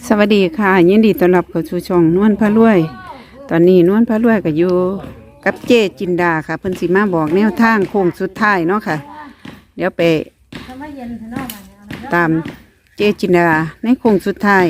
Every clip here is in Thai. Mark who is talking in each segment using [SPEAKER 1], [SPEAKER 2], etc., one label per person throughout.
[SPEAKER 1] สวัสดีค่ะยินดีต้อนรับเข้าสู่ช่องนวลพระรวย ตอนนี้นวลพระรวยก็อยู่กับเจจินดาค่ะเพิ่นสิมาบอกแนวทางโค้งสุดท้ายเนาะค่ะเดี๋ยวไปตามเจจินดาในโค้งสุดท้าย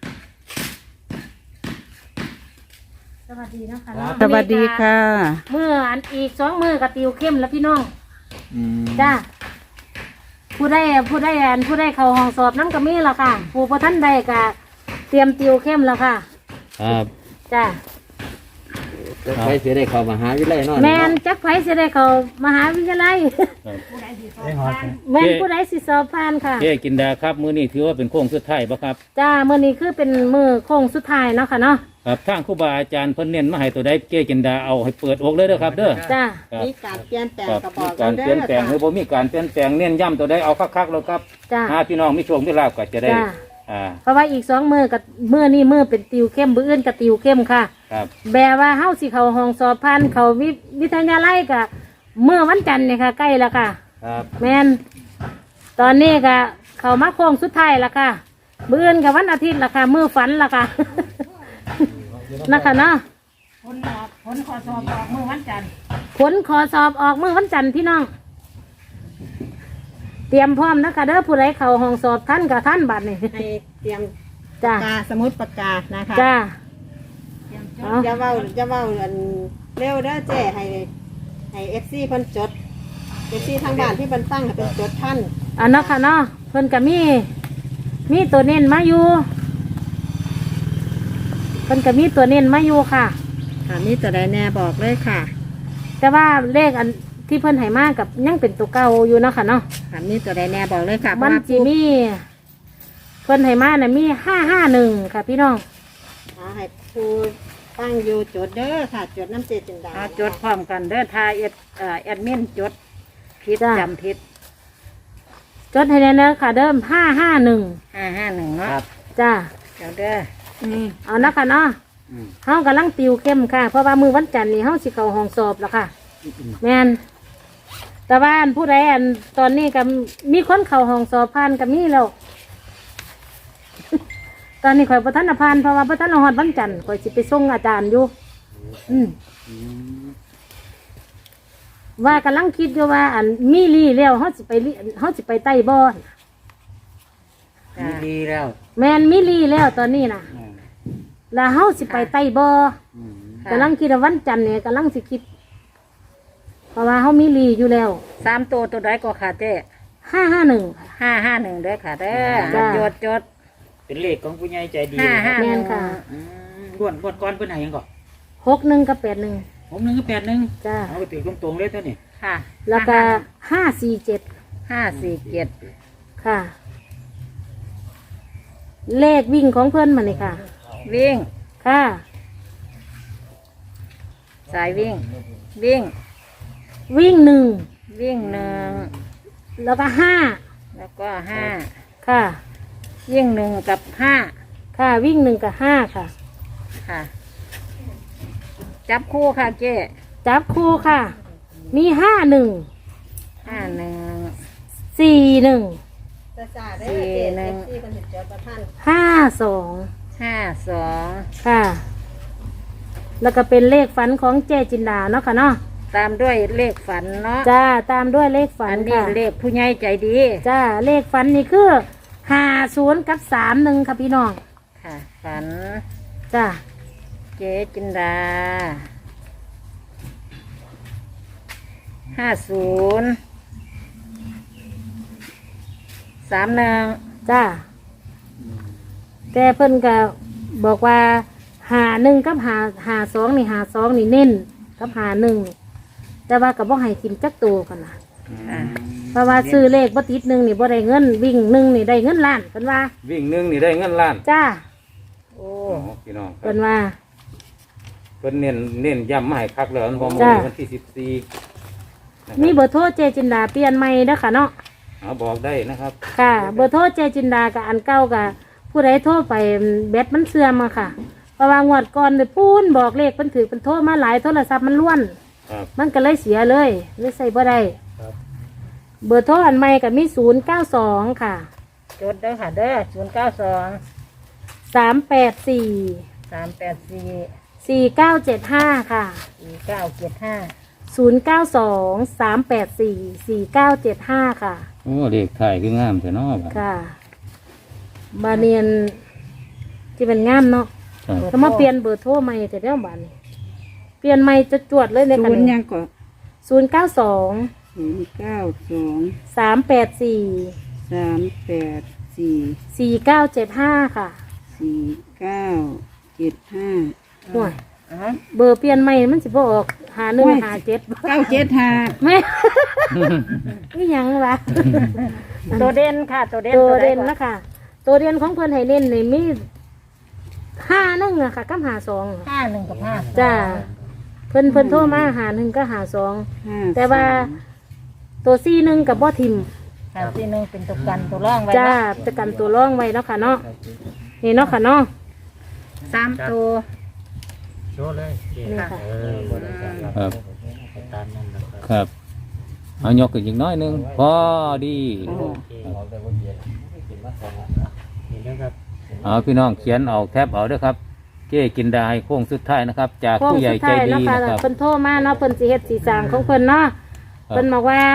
[SPEAKER 2] สวัสดีนะคะ
[SPEAKER 1] สวัสดีค่ะ
[SPEAKER 2] เมื่ออันอีก2 มื้อกับติวเข้มแล้วพี่น้องจ้าผู้ได้เข้าห้องสอบน้ำกระมีแล้วค่ะผู้พอท่านใดก็เตรียมติวเข้มแล้วค่ะ
[SPEAKER 3] ครับ
[SPEAKER 2] จ้า
[SPEAKER 3] ใครจะได้เข้ามหาวิทยาลัยเนาะ
[SPEAKER 2] แมนจักไผสิได้เข้ามหาวิทยาลัยแมนผู้ใดสิสอบผ่านค่ะ
[SPEAKER 3] เจ๊กินดาครับมื้อนี้ถือว่าเป็นโค้งสุดท้ายป่ะครับ
[SPEAKER 2] จ้ามื้อนี้คือเป็นมื้อโค้งสุดท้ายเนาะค่ะเนาะ
[SPEAKER 3] ครับทางครูบาอาจารย์เพิ่นเน้นมาให้ตัวใดเจ๊กินดาเอาให้เปิดอกเลยเด้อครับเด้อ
[SPEAKER 2] จ้า
[SPEAKER 3] ครับ
[SPEAKER 4] มีการเปลี่ยนแปลง
[SPEAKER 3] ครับ
[SPEAKER 4] กระบ
[SPEAKER 3] มี
[SPEAKER 4] อก
[SPEAKER 3] การเปลี่ยนแปลงหรือบ่มีการเปลี่ยนแปลงเน้นย้ำตัวใดเอาคักๆแล้วครับ
[SPEAKER 2] จ้า
[SPEAKER 3] พี่น้องมีโชคมีลาภก็จะได้
[SPEAKER 2] จ้า เพราะว่าอีก2 มื้อกับมื้อนี้มื้อเป็นติวเข้มมื้ออื่นกับติวเข้มค่ะ
[SPEAKER 3] ครับ
[SPEAKER 2] แบบว่าเฮาสิเข้าห้องสอบผ่านเข้าวิทยาลัยก็เมื่อวันจันทร์เนี่ยค่ะใกล้แล้วค่ะ
[SPEAKER 3] ครับ
[SPEAKER 2] แม่นตอนนี้ก็เข้ามาโค้งสุดท้ายแล้วค่ะมื้ออื่นกับวันอาทิตย์ละค่ะมื้อฝันละค่ะ นะคะเนาะผลขอสอบออกมื้อวันจันทร์ผลขอสอบออกมื้อวันจันทร์พี่น้องเตรียมพร้อมนะคะเด้อผู้ใดเข้าห้องสอบท่านกับท่านบัดนี่
[SPEAKER 4] ให้เตรียม
[SPEAKER 2] จ้า
[SPEAKER 4] ปากกาสมุดปากกานะคะ
[SPEAKER 2] จ้า
[SPEAKER 4] จะเว้าอันเร็วเด้อเจ้ให้เอฟซีเพิ่นจดเอฟซีทางบ้านที่เพิ่นตั้งให้เป็นจดท่าน
[SPEAKER 2] อันเนาะค่ะเนาะเพิ่นก็มีตัวเน้นมาอยู่เพิ่นก็มีตัวเน้นมาอยู่ค่ะ
[SPEAKER 4] ค่ะมีตัวใดแน่บอกเลยค่ะ
[SPEAKER 2] แต่ว่าเลขอันที่เพิ่นให้มากับยังเป็นตัวเก่าอยู่เนาะค่ะเนาะ
[SPEAKER 4] ค่ะมีตัวใดแน่บอกเลยค่ะ
[SPEAKER 2] มันจีมีเพิ่นให้มาน่ะมี551ค่ะพี่น้อง
[SPEAKER 4] ให้ครูตั้งอยู่จดเด้อค่ะจดน้ำเจจินดา
[SPEAKER 5] จดพร้อมกันเด้อทาแอดมินจดผิด
[SPEAKER 2] จ้ะ
[SPEAKER 5] จำผิด
[SPEAKER 2] จดให้แน่เด้อค่ะเดิม551
[SPEAKER 5] 551เนาะ
[SPEAKER 3] ครับ
[SPEAKER 2] จ้า
[SPEAKER 5] เดี๋ยวเด้อ
[SPEAKER 2] เอาเนาะค่ะเนาะเฮากำลังติวเข้มค่ะเพราะว่ามื้อวันจันทร์นี่เฮาสิเข้าห้องสอบแล้วค่ะแม่นแต่ว่าอันผู้ใดอันตอนนี้ก็มีคนเข้าห้องสอบผ่านก็มีแล้ว ตอนนี้ข่อยประธานผ่านเพราะว่าประธานฮอดวันจันทร์ข่อยสิไปส่งอาจารย์อยู่ว่ากำลังคิดอยู่ว่าอันมีลี่แล้วเฮาสิไปใต้บ่อน
[SPEAKER 5] ดีแล้ว
[SPEAKER 2] แม่นมีลี่แล้วตอนนี้น่ะแล้วเฮาสิไปใต้บ่อกำลังคิดว่าวันจันทร์เนี่ยกำลังสิคิด เพราะว่าเฮามีลี่อยู่แล้ว
[SPEAKER 5] 3ตัวใดก็ค่ะเจ้
[SPEAKER 2] 551
[SPEAKER 5] 551เด้อค่ะเด้อ
[SPEAKER 2] จ้ะ
[SPEAKER 5] จด
[SPEAKER 3] เป็นเลขของผู้ใหญ่ใจดี
[SPEAKER 2] แม่นค่ะ
[SPEAKER 3] งวดก่อนเพิ่นให้หยังก่อน
[SPEAKER 2] 61กับ81
[SPEAKER 3] 61กับ81
[SPEAKER 2] จ้า
[SPEAKER 3] เอาไปถือตรงๆเลยเท่านี้
[SPEAKER 5] ค่ะ
[SPEAKER 2] แล้วก็547
[SPEAKER 5] 547
[SPEAKER 2] ค่ะ เลขวิ่งของเพื่อนมาเลยค่ะ
[SPEAKER 5] วิ่ง
[SPEAKER 2] ค่ะ
[SPEAKER 5] สายวิ่ง
[SPEAKER 2] วิ่ง1
[SPEAKER 5] วิ่ง1
[SPEAKER 2] แล้วก็5
[SPEAKER 5] แล้วก็
[SPEAKER 2] ค่ะ
[SPEAKER 5] 5วิ่ง1กับ5
[SPEAKER 2] ค่ะวิ่ง1กับ5ค่ะ
[SPEAKER 5] ค่ะ จับคู่ค่ะเจ้
[SPEAKER 2] จับคู่ค่ะ มี51
[SPEAKER 5] 51
[SPEAKER 2] 41
[SPEAKER 4] จะจ่าเด้อเจเอฟซีเพิ่นสิจดประท่าน
[SPEAKER 2] 52
[SPEAKER 5] 52
[SPEAKER 2] ค่ะ แล้วก็เป็นเลขฝันของเจจินดาเนาะค่ะเนาะ
[SPEAKER 5] ตามด้วยเลขฝันเนาะ
[SPEAKER 2] จ้าตามด้วยเลขฝั
[SPEAKER 5] อั
[SPEAKER 2] น
[SPEAKER 5] นนี้
[SPEAKER 2] ค่ะ
[SPEAKER 5] เลขผู้ใหญ่ใจดี
[SPEAKER 2] จ้าเลขฝันนี่คือ50กับ31ค่ะพี่น้อง
[SPEAKER 5] ค่ะ ฝัน
[SPEAKER 2] จ้า
[SPEAKER 5] เจ๊จินดา50 31
[SPEAKER 2] จ้าแต่เพิ่นก็บอกว่า51กับ52นี่52นี่เน้นกับ51แต่ว่าก็บ่ให้ทิมจักตัวกันนะ
[SPEAKER 5] ค่ะ
[SPEAKER 2] เพราะว่าซื้อเลขบ่ติด1นี่บ่ได้เงินวิ่ง1นี่ได้เงินล้านเพิ่นว่า
[SPEAKER 3] วิ่งหนึ่งนี่ได้เงินล้าน
[SPEAKER 2] จ้า
[SPEAKER 5] โอ้
[SPEAKER 3] พี่น้องครั
[SPEAKER 2] เพิ่
[SPEAKER 3] บ
[SPEAKER 2] นว่า
[SPEAKER 3] เพิ่นเน้นย้ำมาให้คักแล้ววัน
[SPEAKER 2] จ้ะ
[SPEAKER 3] วันที่14นะครับ
[SPEAKER 2] มีเบอร์โทรเจจินดาเปลี่ยนใหม่เด้อค่ะเนาะ
[SPEAKER 3] เอาบอกได้นะครับ
[SPEAKER 2] ค่ะ เบอร์โทรเจจินดากับอันเก่ากับผู้ใดโทรไปแบตมันเสื่อมอะค่ะเพราะว่างวดก่อนเลยปูนบอกเลขเพิ่นถือเพิ่นโทรมาหลายโทรศัพท์มันล้วน
[SPEAKER 3] ครับ
[SPEAKER 2] มันก็เลยเสียเลยใส่บ่ได้
[SPEAKER 3] ครับ
[SPEAKER 2] เบอร์โทรอันใหม่ก็มี092ค่ะ
[SPEAKER 5] จดเด้อค่ะเด้อ092
[SPEAKER 2] 384
[SPEAKER 5] 384
[SPEAKER 2] 4975ค่ะ
[SPEAKER 5] 4975
[SPEAKER 2] 092-384-4975ค่ะ
[SPEAKER 3] โอ้เลขไทายคืองามแต่เนาะบัด
[SPEAKER 2] ค่ะ บาเนียนที่เป็นงามเนาะ
[SPEAKER 3] ครับ
[SPEAKER 2] ก็มาเปลี่ยนเบอร์โทรใหม่แต่เดี๋ยวบานนี้เปลี่ยนใหม่จะจวดเลยใน
[SPEAKER 1] ศู
[SPEAKER 2] กัน
[SPEAKER 1] นย์ยังก็
[SPEAKER 2] 092
[SPEAKER 1] 092
[SPEAKER 2] 384
[SPEAKER 1] 384
[SPEAKER 2] 4975ค่ะ
[SPEAKER 1] 4975
[SPEAKER 2] ห่วยเบอร์เปลี่ยนใหม่มันสิบ่ออก5157
[SPEAKER 1] 975
[SPEAKER 2] แม่ นี่ยังวะ
[SPEAKER 5] ตัวเด่นค่ะ ตัวเด่น
[SPEAKER 2] ตัวเด่น
[SPEAKER 5] ใก่อ
[SPEAKER 2] นะคะตัวเด่นของเพื่อนให้เน้นนี่มี51อะค่ะกับ52
[SPEAKER 5] 51กับ5
[SPEAKER 2] จ้าเพิ่นโทรมา51ก็52แต่ว่าตัว41กับบ่ทิม
[SPEAKER 5] ค่ะที่หนึ่งเป็นตัวกันตัวร่องไว้
[SPEAKER 2] จ้า
[SPEAKER 5] เนาะ
[SPEAKER 2] จะกันตัวร่องไว้เนาะค่ะเนาะนี่เนาะค่ะเนาะ
[SPEAKER 5] 3ตัว
[SPEAKER 2] นี่ค่ะ
[SPEAKER 3] ครับครับเอายกขึ้นอีกน้อยหนึงพอดีเอาพี่น้องเขียนเอาแคปเอาเด้วยครับเก้กินดาให้โค้งสุดท้ายนะครับ จาก
[SPEAKER 2] โค้ง
[SPEAKER 3] ผู้ใหญ่
[SPEAKER 2] สุด
[SPEAKER 3] ใจ
[SPEAKER 2] ท้าย
[SPEAKER 3] ดี
[SPEAKER 2] เนาะค่ะ
[SPEAKER 3] นะครับ
[SPEAKER 2] เพิ่นโทรมาเนาะเพิ่นสิเฮ็ดสีสร้างของเพิ่นเนาะเพิ่นบอกว่า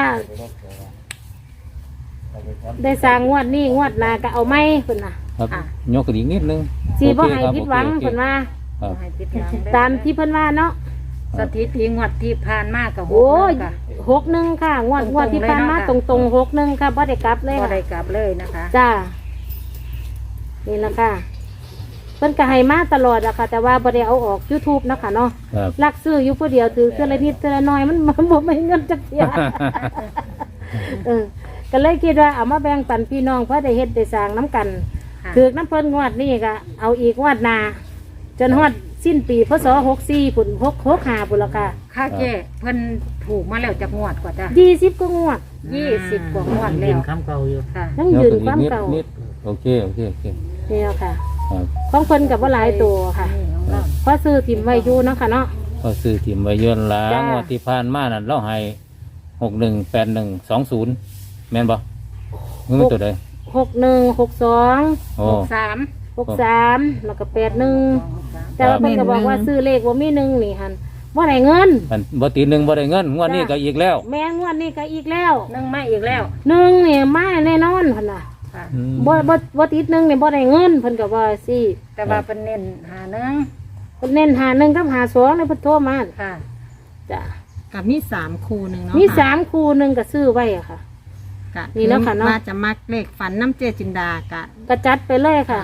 [SPEAKER 2] ได้สร้างงวดนี้งวดหน้าก็เอาไหมเพิ่นน่ะ
[SPEAKER 3] ครับยกขึ้นอีกนิดนึง
[SPEAKER 2] สิบ่ให้
[SPEAKER 3] โอเคครับ
[SPEAKER 2] ผิดหวัง
[SPEAKER 3] โอเค
[SPEAKER 2] เพิ่นว่า
[SPEAKER 3] ครับ
[SPEAKER 5] ให้ปิดหลังเด้อ
[SPEAKER 2] ตามที่เพิ่นว่าเนาะ
[SPEAKER 5] สถิติงวดที่ผ่านมากับ
[SPEAKER 2] โอ้ย
[SPEAKER 5] ค่ะ
[SPEAKER 2] 61ค่ะงวดที่ผ่านมาต
[SPEAKER 5] ตรงๆเลยเนาะ
[SPEAKER 2] รงๆ61ค่ะบ่ได้กลับเลย
[SPEAKER 5] ก็
[SPEAKER 2] ค่ะ
[SPEAKER 5] ได้กลับเลยนะคะ
[SPEAKER 2] จ้า นี่ละค่ะ เพิ่นก็ให้มาตลอดอะค่ะ แต่ว่าบ่ได้เอาออก YouTube เนาะค่ะเนาะ
[SPEAKER 3] ครับ
[SPEAKER 2] ลักซื้ออยู่ผู้เดียวถือเทื่อละนิดเทื่อละน้อยมันบ่มีเงินจักเที่ย ก็เลยคิดว่าเอามาแบ่งปันพี่น้องเพื่อได้เฮ็ดได้สร้างน้ำกัน
[SPEAKER 5] ค่ะ
[SPEAKER 2] ถือน้ำเพิ่นงวดนี้ก็เอาอีกงวดหน้าจนฮอดสิ้นปีพศ64พุ่น65พุ่นละค่ะ
[SPEAKER 5] ค่าเจ้เพิ่นถูกมาแล้วจากงวดกว่าจ้ะ
[SPEAKER 2] 20กว่างวด
[SPEAKER 5] 20 กว่างวดแล้วค่ะ
[SPEAKER 2] ยัง
[SPEAKER 3] ยก
[SPEAKER 2] ยืน
[SPEAKER 3] ขึ้น
[SPEAKER 2] ค
[SPEAKER 3] อี
[SPEAKER 2] วาก ม
[SPEAKER 3] นิด
[SPEAKER 2] เก่า
[SPEAKER 3] นิดโอเคโอเคโอเค
[SPEAKER 2] นี่ละค่ะ
[SPEAKER 3] ครับ
[SPEAKER 2] ของเพิ่นกับว่าหลายตัวค่ะ
[SPEAKER 5] นี่ของเรา
[SPEAKER 2] เพราะซื้อถิ่มไว้อยู่เนาะค่ะเนาะ
[SPEAKER 3] ก็ซื้อถิ่มไว้เยอะล้า
[SPEAKER 2] จ้าง
[SPEAKER 3] งวดที่ผ่านมานั่นเราให้618120แม่นบ่มึงเป็นตัวใด
[SPEAKER 2] 61 62
[SPEAKER 3] โอ้
[SPEAKER 5] 3
[SPEAKER 2] 63แล้วก็81แต่ว่าเพิ่นก็บอกว่าซื้อเลขว่ามีหนึ่งนี่หั่นบ่ได้เงิน
[SPEAKER 3] มันบ่ตีหนึ่งบ่ได้เงินงวดนี้ก็อีกแล้ว
[SPEAKER 2] แม่งวดนี้ก็อีกแล้ว
[SPEAKER 5] นึ่งมาอีกแล้ว
[SPEAKER 2] หนึ่งนี่มาแน่นอนหั่นน่ะ
[SPEAKER 5] ค่ะ
[SPEAKER 3] อืม
[SPEAKER 2] บ่ติดหนึ่งนี่บ่ได้เงินเพิ่นก็ว่าสิ
[SPEAKER 5] แต่ว่าเป็นเน้นหาหนึ่ง
[SPEAKER 2] เพิ่นเน้นหา1กับหา2เลยเพิ่นโทรมา
[SPEAKER 5] ค่ะ
[SPEAKER 2] จ้ะ
[SPEAKER 6] กับมี3คู่หนึ่งเนาะ
[SPEAKER 2] มี
[SPEAKER 6] ค่ะ
[SPEAKER 2] 3คู่หนึงก็ซื้อไว้อะค่ะ
[SPEAKER 6] กะ
[SPEAKER 2] นี่เนาะค่ะเนาะ
[SPEAKER 6] ว่าจะมักเลขฝันน้ำเจจินดากะ
[SPEAKER 2] ก็จัดไปเลยค่ะ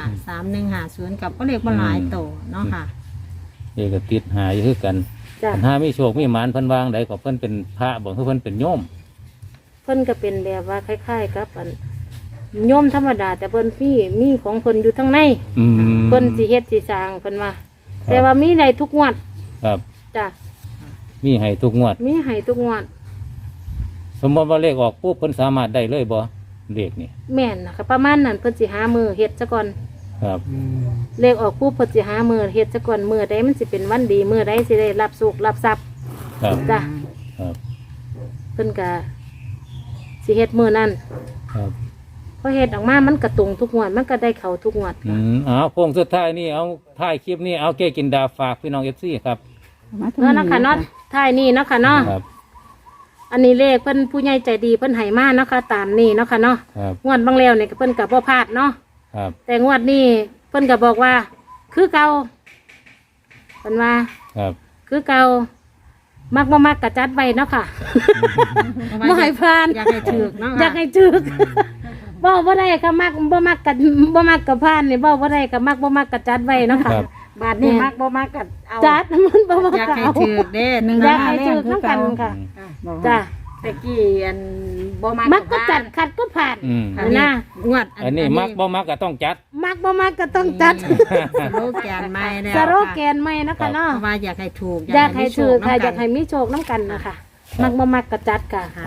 [SPEAKER 6] 3150กับก็เลขบ่หลายโตเนาะค่ะ
[SPEAKER 3] นี่ก็ติดหาอยู่คือกัน
[SPEAKER 2] จ้ะ
[SPEAKER 3] ปัญหามีโชคมีหมานเพิ่นวางใดก็เพิ่นเป็นพระบ่คือเพิ่นเป็นโยม
[SPEAKER 2] เพิ่นก็เป็นแบบว่าคล้ายๆกับอันโยมธรรมดา แต่เพิ่นมีของเพิ่นอยู่ทั้งใน
[SPEAKER 3] อืม
[SPEAKER 2] เพิ่นสิเฮ็ดสิสร้างเพิ่นว่า แต่ว่ามีได้ทุกงวด
[SPEAKER 3] ครับ
[SPEAKER 2] จ้ะ
[SPEAKER 3] มีให้ทุกงวด
[SPEAKER 2] มีให้ทุกงวด
[SPEAKER 3] สมมติว่าเลขออกปุ๊บเพิ่นสามารถได้เลยบ่เลขนี่
[SPEAKER 2] แม่นนะคะประมาณนั้นเพิ่นสิหามือเฮ็ดซะก่อน
[SPEAKER 3] ครับ
[SPEAKER 2] เลขออกปุ๊บเพิ่นสิหามือเฮ็ดซะก่อนมื้อใดมันสิเป็นวันดีมื้อใดสิได้รับสุขรับทรัพย์
[SPEAKER 3] ครับ
[SPEAKER 2] จ้ะ
[SPEAKER 3] ครับ
[SPEAKER 2] เพิ่นก็สิเฮ็ดมื้อนั้น
[SPEAKER 3] ครับ
[SPEAKER 2] พอเฮ็ดออกมามันก็ตรงทุกงวดมันก็ได้เข้าทุกงวด
[SPEAKER 3] เอาโค้งสุดท้ายนี่เอาท้ายคลิปนี้เอาเก้กินดาฝากพี่น้อง FC ครับ
[SPEAKER 2] เนาะนะคะเนาะท้ายนี้เนาะค่ะเนาะ
[SPEAKER 3] ครับ
[SPEAKER 2] อันนี้เลขเพิ่นผู้ใหญ่ใจดีเพิ่นให้มาเนาะค่ะตามนี้เนาะค่ะเนาะ
[SPEAKER 3] ครับ
[SPEAKER 2] งวดบางแล้วเนี่ยเพิ่นก็บ่พลาดเนาะ
[SPEAKER 3] ครับ
[SPEAKER 2] แต่งวดนี้เพิ่นก็บอกว่า คือเก่าเพิ่นว่า
[SPEAKER 3] ครับ
[SPEAKER 2] คือเก่ามักบ่มักกะจัดไว้เนาะค่ะ บ่ให้พลาด
[SPEAKER 6] อยากให้ถูกเนาะ
[SPEAKER 2] อยากให้ถึกบ่ได้ก็มักบ่มักกะบ่มักกะพลาดนี่บ่ได้ก็มักบ่มักกะจัดไว้เนาะค่ะ
[SPEAKER 3] ครับ
[SPEAKER 5] บาทนี้มักบ่มักกัเอา
[SPEAKER 2] จัดมันบ่มัก
[SPEAKER 6] อยาก
[SPEAKER 2] ก็
[SPEAKER 6] ให้
[SPEAKER 2] เอา
[SPEAKER 6] ถูกเด้หนึ่ง
[SPEAKER 2] อยาก
[SPEAKER 6] ห้า
[SPEAKER 2] ให้ถึกนำกันค่ะ
[SPEAKER 5] ค่ะ
[SPEAKER 2] จ้ะ
[SPEAKER 5] ตะกี้อันบ่มัก
[SPEAKER 2] มักก็จัดขัดก็ผ่าน
[SPEAKER 3] อืม
[SPEAKER 2] นะ
[SPEAKER 6] งวด
[SPEAKER 3] อันนี้มักบ่มักก็ต้องจัด
[SPEAKER 2] มักบ่มักก็ต้องจัด
[SPEAKER 6] สโลแกนใหม่แล้ว
[SPEAKER 2] สโลแกนใหม่เนาะค่ะ
[SPEAKER 6] เพ
[SPEAKER 2] เนาะ
[SPEAKER 6] ราะว่าอยากให้ถูก
[SPEAKER 2] อยากให้ถือค่ะ
[SPEAKER 6] มีโช
[SPEAKER 2] อยากให้มีโชคน้ำกันนะคะ
[SPEAKER 3] ครับ
[SPEAKER 2] มักบ่มักกระจัดค่ะ
[SPEAKER 6] ค่ะ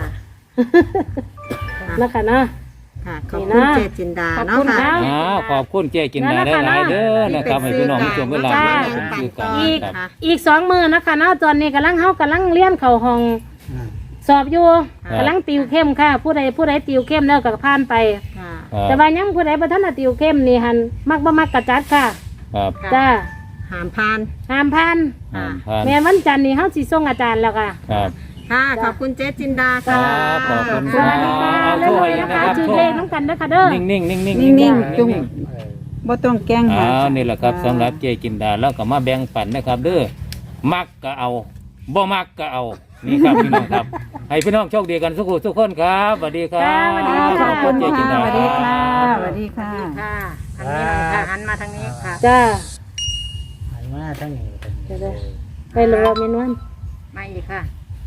[SPEAKER 2] นะคะเนาะ
[SPEAKER 6] ค่ะขอบ
[SPEAKER 2] นี่
[SPEAKER 6] คุณ
[SPEAKER 2] นะ
[SPEAKER 6] เจจินดาเนาะค่ะ
[SPEAKER 3] ขอบคุณเจ้กินดาได้หลายๆเด้อนะครับให้พี่น้องมีช่วงเวลา
[SPEAKER 2] จ้า
[SPEAKER 3] มาซื้อกัน
[SPEAKER 2] อีก
[SPEAKER 3] ครับ
[SPEAKER 2] อีก2 มื้อนะคะเนาะตอนนี้กำลังเรียนเข้าห้องสอบอยู่
[SPEAKER 3] ครับ
[SPEAKER 2] กำลังติวเข้มค่ะ ผู้ใดติวเข้มแล้วก็ผ่านไป
[SPEAKER 6] ค่ะ
[SPEAKER 3] ครับ
[SPEAKER 2] แต่ว่ายังผู้ใดบ่ทันได้ติวเข้มนี่หันมักบ่มักกระจัดค่ะ
[SPEAKER 3] ครับ
[SPEAKER 2] จ้า
[SPEAKER 6] หามพาน
[SPEAKER 2] ห้ามพัน
[SPEAKER 3] ห้ามผ่าน
[SPEAKER 2] แม่นวันจันทร์นี่เฮาสิส่งอาจารย์แล้วค่ะ
[SPEAKER 3] ครับ
[SPEAKER 6] ค่ะขอบคุณเจ๊จินดา
[SPEAKER 3] ครั
[SPEAKER 6] ค่ะ
[SPEAKER 3] บขอบคุณ
[SPEAKER 2] สวัสดีค่ะ
[SPEAKER 3] เอา
[SPEAKER 2] เรื่
[SPEAKER 3] ช่วย
[SPEAKER 2] อยๆ
[SPEAKER 3] นะ
[SPEAKER 2] นะ
[SPEAKER 3] ค
[SPEAKER 2] คะ
[SPEAKER 3] รับ
[SPEAKER 2] ชื่อ
[SPEAKER 3] ช่ว
[SPEAKER 2] เลย ขน้ำกันเด้อค่ะเด้อ
[SPEAKER 3] นิ่งๆนิ่งๆนิ่ง
[SPEAKER 1] นิ่งๆจุ่มบ่ต้องแกล้งหา
[SPEAKER 3] นี่แหละครับสำหรับเจกินดาแล้วก็มาแบ่งปันนะครับเด้อมักก็เอาบ่มักก็เอานี่ครับพี่น้องครับ ให้พี่น้องโชคดีกันทุกคนครับสวัสดีครับ
[SPEAKER 2] สวัสดีค่ะ
[SPEAKER 1] ขอบคุณ
[SPEAKER 3] เจกิน
[SPEAKER 1] ค่ะ
[SPEAKER 3] ดา
[SPEAKER 1] สวัสดีค่ะสวัสดีค่ะ
[SPEAKER 5] ค่ะทางนี้หน่อยค่ะหันมาทางนี้ค่ะ
[SPEAKER 2] จ้า
[SPEAKER 7] หันมาทั้งนี้
[SPEAKER 2] จะได้ไปรอเมนวัน
[SPEAKER 5] มาอีกค่ะ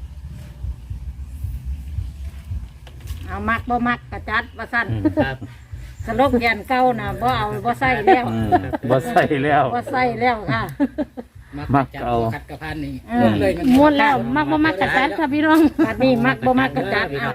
[SPEAKER 5] เอามักบ่มักกระจัดว่าสั้น
[SPEAKER 7] ครับ
[SPEAKER 5] สโลกแกนเก่านะบ่เอาบ่ใส่แล้ว
[SPEAKER 3] อืมบ่ใส่แล้ว
[SPEAKER 5] บ่ใส่แล้วค่ะ
[SPEAKER 3] มักเอา
[SPEAKER 7] ขัดกระพันนี่
[SPEAKER 5] เออ
[SPEAKER 7] เลยมัน
[SPEAKER 2] ม้วนแล้วมักบ่มักกระจัดค่ะพี่น้อง
[SPEAKER 5] บัดนี้มักบ่มักกระจัดเอา